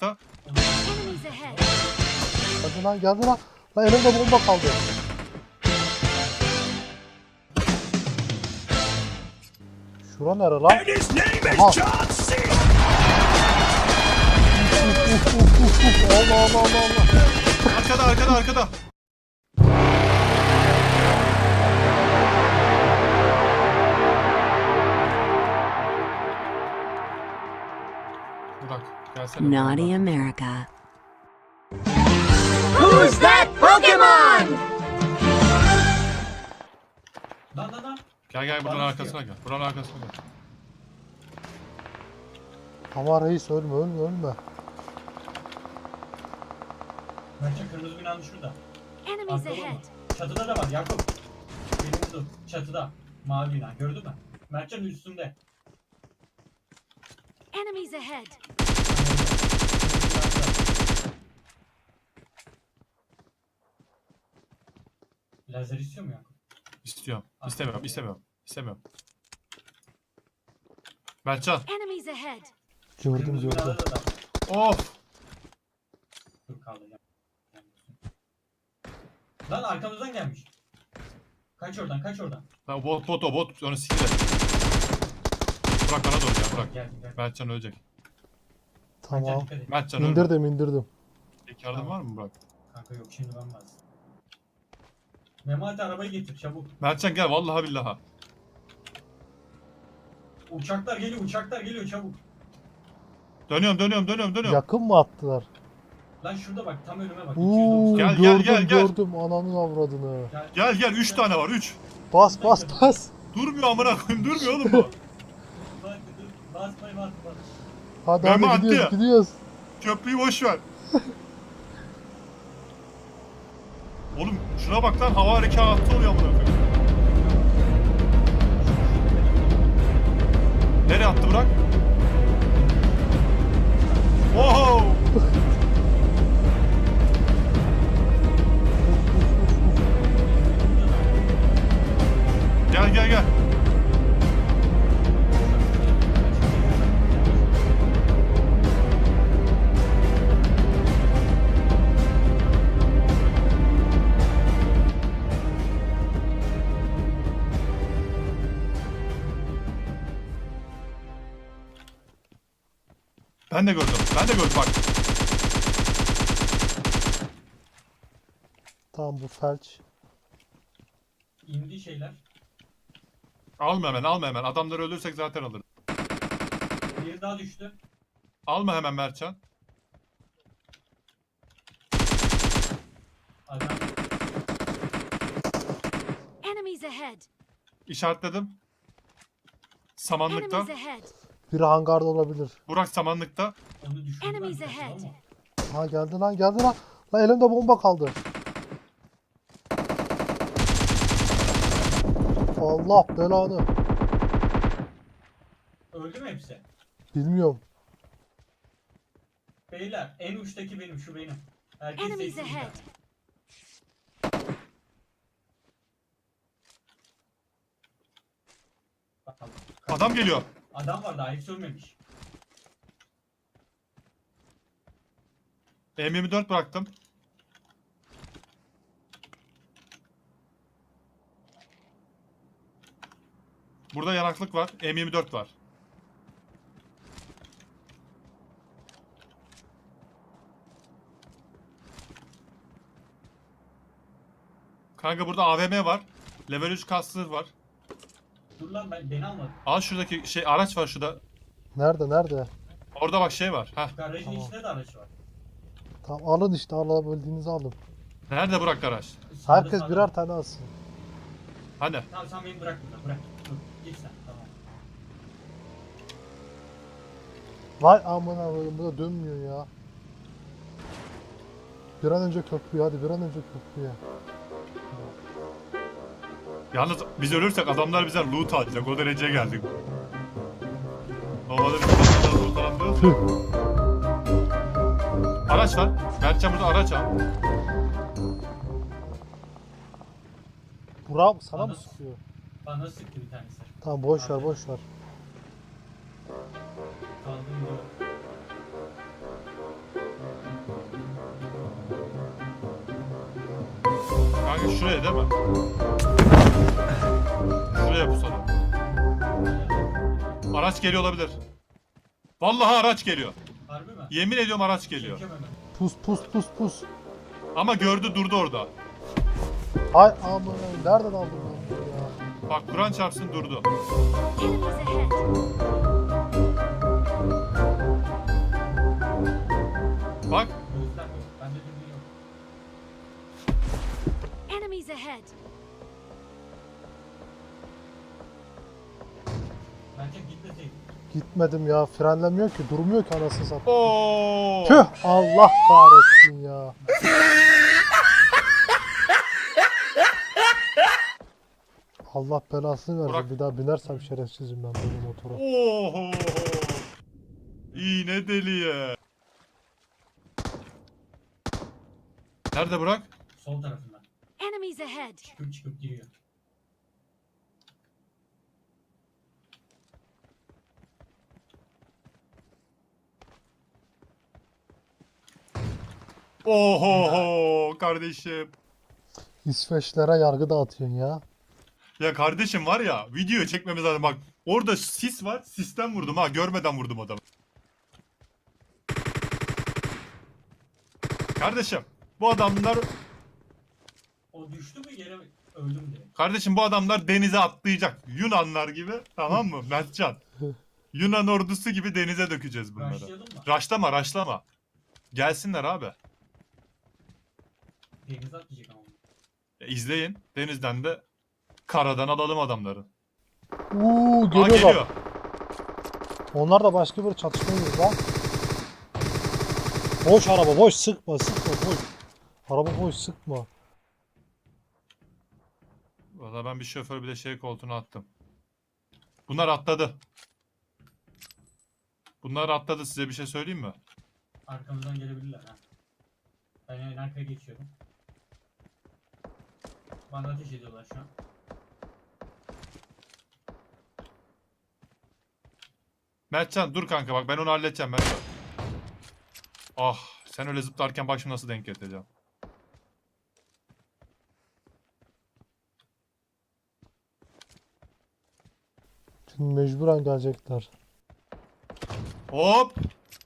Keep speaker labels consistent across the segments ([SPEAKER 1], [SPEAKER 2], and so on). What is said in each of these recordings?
[SPEAKER 1] Da.
[SPEAKER 2] Enemies ahead.
[SPEAKER 3] Hadi lan geldi lan. Lan elimde bomba kaldı. Şura nere lan? Aha. Allah Allah Allah Allah.
[SPEAKER 1] Arkada. Burak gelsene.
[SPEAKER 2] Naughty America.
[SPEAKER 4] Who's that Pokemon?
[SPEAKER 5] Lan.
[SPEAKER 1] Gel buranın arkasına gel. Buranın arkasına gel.
[SPEAKER 3] Ama reis ölme.
[SPEAKER 5] Mertcan kırmızı binanın şurada.
[SPEAKER 2] Enemies
[SPEAKER 5] Arkada mı?
[SPEAKER 2] ahead.
[SPEAKER 5] Çatıda da var Yakup. Benim vurdu. Çatıda. Mavi bina gördün mü? Mertcan üstünde.
[SPEAKER 2] Enemies ahead.
[SPEAKER 5] Lazer istiyor mu Yakup?
[SPEAKER 1] İstiyorum. İstemiyorum. Mertcan.
[SPEAKER 2] Enemies ahead.
[SPEAKER 3] Gördüm.
[SPEAKER 5] Kırmızı binada da var.
[SPEAKER 1] Of.
[SPEAKER 5] Dur kaldı ya. Lan arkamızdan gelmiş. Kaç oradan.
[SPEAKER 1] Lan bot. Onu siktir et. Burak bana doğru gel Burak.
[SPEAKER 5] Gel.
[SPEAKER 1] Mertcan ölecek.
[SPEAKER 3] Tamam.
[SPEAKER 5] Dikkat et.
[SPEAKER 1] Mertcan öldü.
[SPEAKER 3] İndirdim.
[SPEAKER 1] İlk yardım var mı Burak?
[SPEAKER 5] Kanka yok şimdi ben varım. Memati arabayı getir çabuk.
[SPEAKER 1] Mertcan gel vallahi billahi.
[SPEAKER 5] Uçaklar geliyor çabuk.
[SPEAKER 1] Dönüyorum.
[SPEAKER 3] Yakın mı attılar?
[SPEAKER 5] Lan şurada bak tam önüme bak.
[SPEAKER 3] Uuu
[SPEAKER 5] 290.
[SPEAKER 1] Gel.
[SPEAKER 3] gördüm ananın avradını.
[SPEAKER 1] Gel 3 tane var 3.
[SPEAKER 3] Bas.
[SPEAKER 1] Durmuyor amına koyayım durmuyor oğlum bu.
[SPEAKER 5] Basmayın.
[SPEAKER 3] Hadi
[SPEAKER 1] Mermi attı ya.
[SPEAKER 3] gidiyoruz.
[SPEAKER 1] Köprüyü boş ver. Oğlum şuna bak lan hava harekatı oluyor amına koyayım. Nereye attı Burak? Wow! Gel. Ben de gördüm bak.
[SPEAKER 3] Tamam bu felç.
[SPEAKER 5] İndi şeyler.
[SPEAKER 1] Alma hemen. Adamları öldürsek zaten alırız.
[SPEAKER 5] Bir daha düştü.
[SPEAKER 1] Alma hemen Mertcan.
[SPEAKER 5] Adam
[SPEAKER 2] Enemies ahead.
[SPEAKER 1] İşaretledim. Samanlıkta.
[SPEAKER 2] Enemies ahead.
[SPEAKER 3] Biri hangarda olabilir.
[SPEAKER 1] Burak samanlıkta.
[SPEAKER 5] onu düşürdü.
[SPEAKER 2] Enemies ahead.
[SPEAKER 3] Ha geldi lan. Lan elimde bomba kaldı. Allah belanı.
[SPEAKER 5] Öldü mü hepsi?
[SPEAKER 3] Bilmiyorum.
[SPEAKER 5] Beyler en uçtaki benim şu benim. Herkes
[SPEAKER 2] Enemies
[SPEAKER 5] sessiz
[SPEAKER 2] ahead.
[SPEAKER 5] yani. Bakalım.
[SPEAKER 1] Adam geliyor.
[SPEAKER 5] Adam var daha hiç ölmemiş.
[SPEAKER 1] M24 bıraktım. Burada yanaklık var. M24 var. Kanka burada AVM var. Level 3 kaslı var.
[SPEAKER 5] Dur lan beni almadı.
[SPEAKER 1] Al şuradaki araç var şurada.
[SPEAKER 3] Nerede?
[SPEAKER 1] Orada bak şey var. Heh.
[SPEAKER 5] Garajın
[SPEAKER 3] Tamam.
[SPEAKER 5] içinde de araç var.
[SPEAKER 3] Tamam alın işte alabildiğinizi alın.
[SPEAKER 1] Nerede Burak garaj?
[SPEAKER 5] Sağda,
[SPEAKER 3] Herkes
[SPEAKER 5] sağda.
[SPEAKER 3] birer tane alsın.
[SPEAKER 1] Hani?
[SPEAKER 5] Tamam sen beni bırak burada bırak. Dur git sen tamam.
[SPEAKER 3] Vay amına koyayım bu da dönmüyor ya. Bir an önce köprüye hadi bir an önce köprüye.
[SPEAKER 1] Yalnız biz ölürsek adamlar bize loot atacak. O dereceye geldik. Normalde biz loot alamıyoruz ya. Araç var. Mertcan burada araç al.
[SPEAKER 3] Burak sana mı sıkıyor?
[SPEAKER 5] Bana sıktı bir tanesi.
[SPEAKER 3] Tamam boş ver.
[SPEAKER 5] Kaldım diyor.
[SPEAKER 1] Kanka şuraya değil mi? Şuraya pusalım. Araç geliyor olabilir. Vallahi araç geliyor.
[SPEAKER 5] Harbi mi?
[SPEAKER 1] Yemin ediyorum araç geliyor.
[SPEAKER 5] Çekiyorum hemen.
[SPEAKER 3] Pus pus pus pus.
[SPEAKER 1] Ama gördü durdu orada.
[SPEAKER 3] Hay amına nereden aldın lan bunu ya?
[SPEAKER 1] Bak Kur'an çarpsın durdu.
[SPEAKER 2] Enemies ahead.
[SPEAKER 1] Bak
[SPEAKER 5] Göstermiyor. Bende dürbün yok.
[SPEAKER 2] Enemies ahead.
[SPEAKER 5] Bence gitmeseydim.
[SPEAKER 3] Gitmedim ya, frenlemiyor ki, durmuyor ki anasını satayım.
[SPEAKER 1] ooo.
[SPEAKER 3] Tüh, Allah kahretsin ya. Allah belasını versin,
[SPEAKER 1] Burak.
[SPEAKER 3] bir daha binersem şerefsizim ben böyle motora.
[SPEAKER 1] Oho. İğne deliye. Nerede Burak?
[SPEAKER 5] Sol tarafından.
[SPEAKER 2] Enemies ahead.
[SPEAKER 5] Çıkıp çıkıp giriyor.
[SPEAKER 1] Oho kardeşim.
[SPEAKER 3] İsveçlere yargı dağıtıyorsun ya.
[SPEAKER 1] Ya kardeşim var ya video çekmemiz lazım bak. Orada sis var. Sisten vurdum ha. Görmeden vurdum adamı. Kardeşim bu adamlar
[SPEAKER 5] O düştü mü yere öldüm diye.
[SPEAKER 1] kardeşim bu adamlar denize atlayacak. Yunanlar gibi tamam mı Mertcan? Yunan ordusu gibi denize dökeceğiz bunları.
[SPEAKER 5] Başlayalım mı?
[SPEAKER 1] Raşlama raşlama. Gelsinler abi.
[SPEAKER 5] Denize atlayacak ama.
[SPEAKER 1] İzleyin. Denizden de karadan alalım adamları.
[SPEAKER 3] Uuu
[SPEAKER 1] Aa
[SPEAKER 3] geliyorlar.
[SPEAKER 1] geliyor.
[SPEAKER 3] Onlar da başka bir çatışmayız lan. Boş araba, boş, sıkma sıkma, boş. Araba boş, sıkma.
[SPEAKER 1] Valla ben bir şoför bir de şey koltuğuna attım. Bunlar atladı. Bunlar atladı, size bir şey söyleyeyim mi?
[SPEAKER 5] Arkamızdan gelebilirler ha. Ben en arkaya geçiyorum. Bana ateş ediyorlar şu an.
[SPEAKER 1] Mertcan dur kanka bak ben onu halledeceğim Mertcan. Ah sen öyle zıplarken bak şimdi nasıl denk getireceğim.
[SPEAKER 3] Şimdi mecburen gelecekler.
[SPEAKER 1] Hop.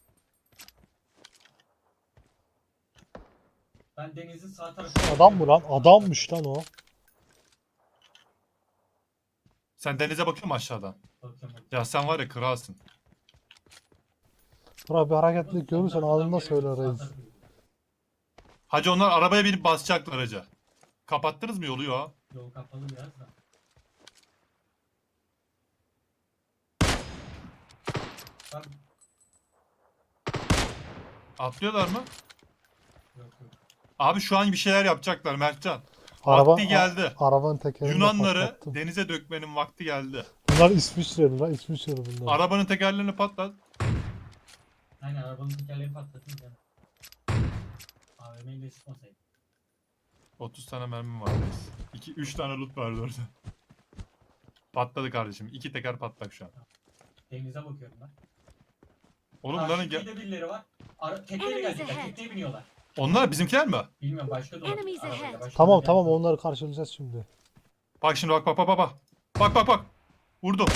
[SPEAKER 5] Ben denizin sağ tarafına...
[SPEAKER 3] Adam mı lan? Adammış lan o.
[SPEAKER 1] Sen denize bakıyor musun aşağıdan?
[SPEAKER 5] Bakıyorum.
[SPEAKER 1] Ya sen var ya kralsın.
[SPEAKER 3] Bura bir hareketlilik görürsen ağzında söyle
[SPEAKER 5] Sağ
[SPEAKER 3] reis.
[SPEAKER 5] tarafı.
[SPEAKER 1] Hacı onlar arabaya binip basacaklar hacı. Kapattınız mı yolu ya?
[SPEAKER 5] Yol kapalı biraz da. Ben...
[SPEAKER 1] Atlıyorlar mı?
[SPEAKER 5] Yok yok.
[SPEAKER 1] Abi şu an bir şeyler yapacaklar Mertcan.
[SPEAKER 3] Araba,
[SPEAKER 1] Vakti geldi.
[SPEAKER 3] Arabanın tekerini de
[SPEAKER 1] Yunanları
[SPEAKER 3] patlattım.
[SPEAKER 1] denize dökmenin vakti geldi.
[SPEAKER 3] Bunlar İsviçreli lan, İsviçreli bunlar.
[SPEAKER 1] Arabanın tekerlerini patlat.
[SPEAKER 5] Aynen arabanın tekerleği patlatın ya. AVM'yi de sıkmasaydı.
[SPEAKER 1] 30 tane mermim var. 3 tane loot vardı orada. Patladı kardeşim. 2 teker patlak şu an.
[SPEAKER 5] Denize bakıyorum ben.
[SPEAKER 1] Oğlum bunların
[SPEAKER 5] Karşıda da birileri var. Tekneyle
[SPEAKER 2] Enemies
[SPEAKER 5] gelecekler.
[SPEAKER 2] ahead.
[SPEAKER 5] Tekneye biniyorlar.
[SPEAKER 1] Onlar bizimkiler mi?
[SPEAKER 5] Bilmiyorum başka da olabilir.
[SPEAKER 2] Enemies
[SPEAKER 5] Arabayla,
[SPEAKER 2] ahead.
[SPEAKER 5] başka
[SPEAKER 3] Tamam
[SPEAKER 5] bir
[SPEAKER 3] tamam
[SPEAKER 5] yer.
[SPEAKER 3] onları karşılayacağız şimdi.
[SPEAKER 1] Bak şimdi bak bak bak bak bak. Bak bak bak. Vurdum.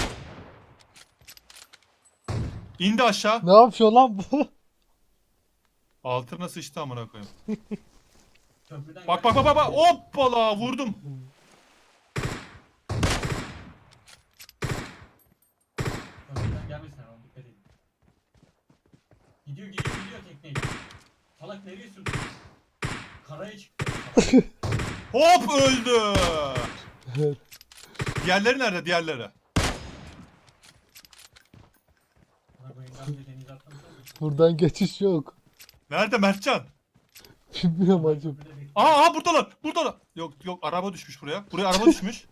[SPEAKER 1] İndi aşağı.
[SPEAKER 3] Ne yapıyor lan bu?
[SPEAKER 1] Altına sıçtı amına koyayım.
[SPEAKER 5] Köprüden
[SPEAKER 1] Bak bak bak bak bak. Hoppala vurdum.
[SPEAKER 5] Köprüden gelmesinler oğlum dikkat edin. Gidiyor tekneyle. Salak nereye sürdü? Karaya çıktı.
[SPEAKER 1] Hop öldü.
[SPEAKER 3] Evet.
[SPEAKER 1] Diğerleri nerede diğerleri?
[SPEAKER 5] Arabayı ben de denize atlamışlar.
[SPEAKER 3] Buradan geçiş yok.
[SPEAKER 1] Nerede Mertcan?
[SPEAKER 3] Bilmiyorum hacım.
[SPEAKER 5] Köprüde bekliyor.
[SPEAKER 1] Aa buradalar. Buradalar. Yok yok araba düşmüş buraya. Buraya araba düşmüş.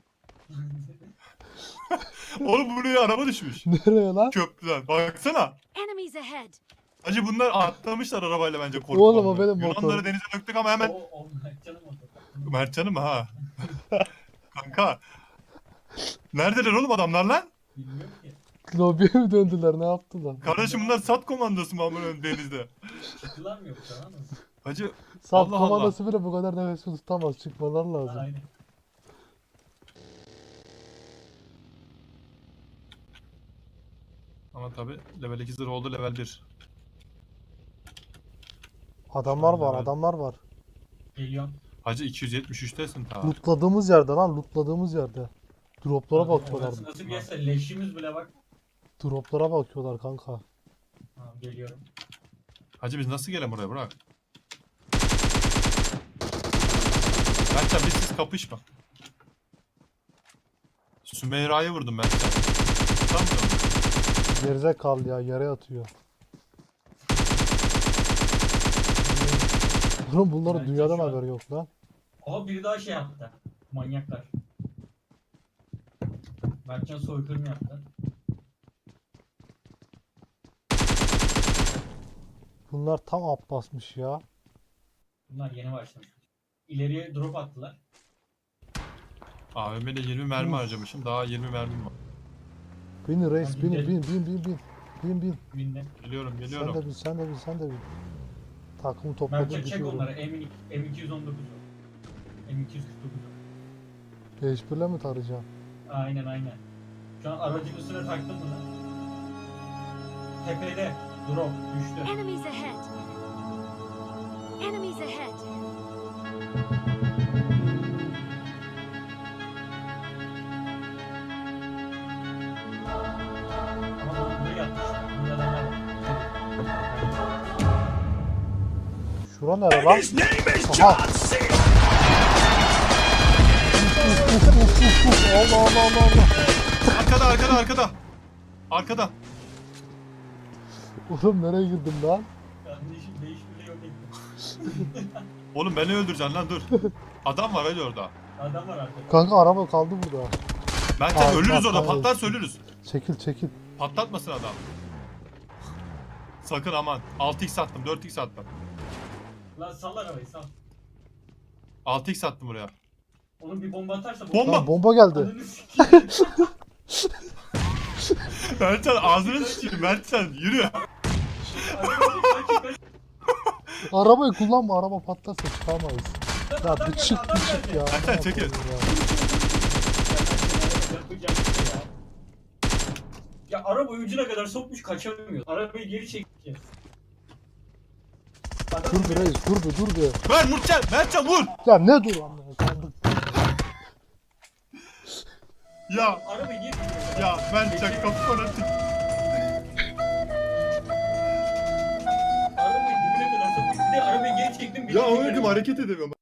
[SPEAKER 1] Oğlum buraya araba düşmüş.
[SPEAKER 3] Nereye lan?
[SPEAKER 1] Köprüden. Baksana.
[SPEAKER 2] Enemies ahead.
[SPEAKER 1] Hacı bunlar atlamışlar arabayla bence korkudan.
[SPEAKER 3] Oğlum o benim
[SPEAKER 1] Yunanları
[SPEAKER 3] motorum.
[SPEAKER 1] denize döktük ama hemen.
[SPEAKER 5] O canım o.
[SPEAKER 1] Mertcan'ım ha. Kanka. Neredeler oğlum adamlar lan?
[SPEAKER 5] Bilmiyorum ki.
[SPEAKER 3] Lobiye mi döndüler, ne yaptılar?
[SPEAKER 1] Kardeşim bunlar sat komandosu mu amına denizde?
[SPEAKER 5] Çıktılar mı yoksa lan?
[SPEAKER 1] Hacı
[SPEAKER 3] Sap
[SPEAKER 1] Allah Allah.
[SPEAKER 3] komandası bile bu kadar nefesini tutamaz. Çıkmalar lazım.
[SPEAKER 5] Aynen.
[SPEAKER 1] Ama tabi level 2 zırh oldu level 1.
[SPEAKER 3] Adamlar var,
[SPEAKER 1] Şöyle
[SPEAKER 3] adamlar var.
[SPEAKER 5] Geliyorum.
[SPEAKER 1] Hacı 273'tesin ta.
[SPEAKER 3] Lootladığımız yerde lan, lootladığımız yerde. Droplara bakıyorlar.
[SPEAKER 5] Orası nasıl bir yerse leşimiz bile bak.
[SPEAKER 3] Droplara bakıyorlar kanka.
[SPEAKER 5] Tamam geliyorum.
[SPEAKER 1] Hacı biz nasıl gelelim buraya bırak. Mertcan biz siz kapışma. Sümeyra'ya vurdum Mertcan. Tutamıyorum.
[SPEAKER 3] Gerizekalı ya, yere atıyor. Oğlum bunların
[SPEAKER 5] Bence
[SPEAKER 3] dünyadan
[SPEAKER 5] şu an-
[SPEAKER 3] haberi yok lan.
[SPEAKER 5] Aha biri daha şey yaptı. Manyaklar. Mertcan soykırım yaptı.
[SPEAKER 3] Bunlar tam ap basmış ya.
[SPEAKER 5] Bunlar yeni başlamış. İleriye drop attılar.
[SPEAKER 1] AVM'de 20 mermi
[SPEAKER 3] Uf.
[SPEAKER 1] harcamışım. Daha 20 mermim var.
[SPEAKER 3] Bin reis,
[SPEAKER 5] Hadi
[SPEAKER 3] bin,
[SPEAKER 5] gidelim.
[SPEAKER 3] bin. Bin.
[SPEAKER 5] Binle.
[SPEAKER 1] Geliyorum
[SPEAKER 3] Sen
[SPEAKER 1] geliyorum.
[SPEAKER 3] de bin, sen de bin, sen de bin. Takımı topladım
[SPEAKER 5] Mertcan çek
[SPEAKER 3] gidiyorum.
[SPEAKER 5] onları. M219'u. M249'u.
[SPEAKER 3] H1'le mi tarayacağım?
[SPEAKER 5] Aynen. Şu an aracın üstüne taktım bunu. Tepede drop düştü.
[SPEAKER 2] Enemies ahead. Enemies ahead.
[SPEAKER 5] Ama bunu yapmışlar. Burada adamlar var.
[SPEAKER 3] Şura nere lan? Aha. Allah.
[SPEAKER 1] Arkada. Arkada.
[SPEAKER 3] Oğlum nereye girdim lan?
[SPEAKER 5] Kardeşim değiş bile yok ettim.
[SPEAKER 1] Oğlum beni öldüreceksin lan dur. Adam var hadi orada.
[SPEAKER 5] Adam var arkada.
[SPEAKER 3] Kanka araba kaldı burada.
[SPEAKER 1] Mertcan
[SPEAKER 3] Ay,
[SPEAKER 1] ölürüz
[SPEAKER 3] bak,
[SPEAKER 1] orada
[SPEAKER 3] ay.
[SPEAKER 1] patlarsa ölürüz.
[SPEAKER 3] Çekil.
[SPEAKER 1] Patlatmasın adam. Sakın aman. 6x attım 4x attım.
[SPEAKER 5] Lan sal arabayı sal.
[SPEAKER 1] 6x attım buraya.
[SPEAKER 5] Onun bir bomba atarsa
[SPEAKER 1] Bomba!
[SPEAKER 3] Lan bomba geldi.
[SPEAKER 5] Ananı sikeyim.
[SPEAKER 1] Mertcan ağzını sıçayım Mertcan yürü.
[SPEAKER 5] Kaç.
[SPEAKER 3] Arabayı kullanma, araba patlarsa çıkamayız. Ya
[SPEAKER 5] Adam
[SPEAKER 3] bir
[SPEAKER 5] geldi,
[SPEAKER 3] çık
[SPEAKER 5] adam geldi.
[SPEAKER 3] ya.
[SPEAKER 1] Ertan, çekil.
[SPEAKER 5] Ya araba ucuna kadar sokmuş kaçamıyor. Arabayı geri çekeceğiz. Adam
[SPEAKER 3] Dur bir reis, dur bir.
[SPEAKER 1] Ver Mertcan vur.
[SPEAKER 3] Ya ne dur lan? Kaldık.
[SPEAKER 1] Ya
[SPEAKER 5] arabayı geri çekiyor.
[SPEAKER 1] ya Mertcan kafana tık.
[SPEAKER 5] Arabayı dibine kadar sokmuş. Bir de arabayı geri çektim.
[SPEAKER 1] Ya Amerika'm hareket edemiyorum.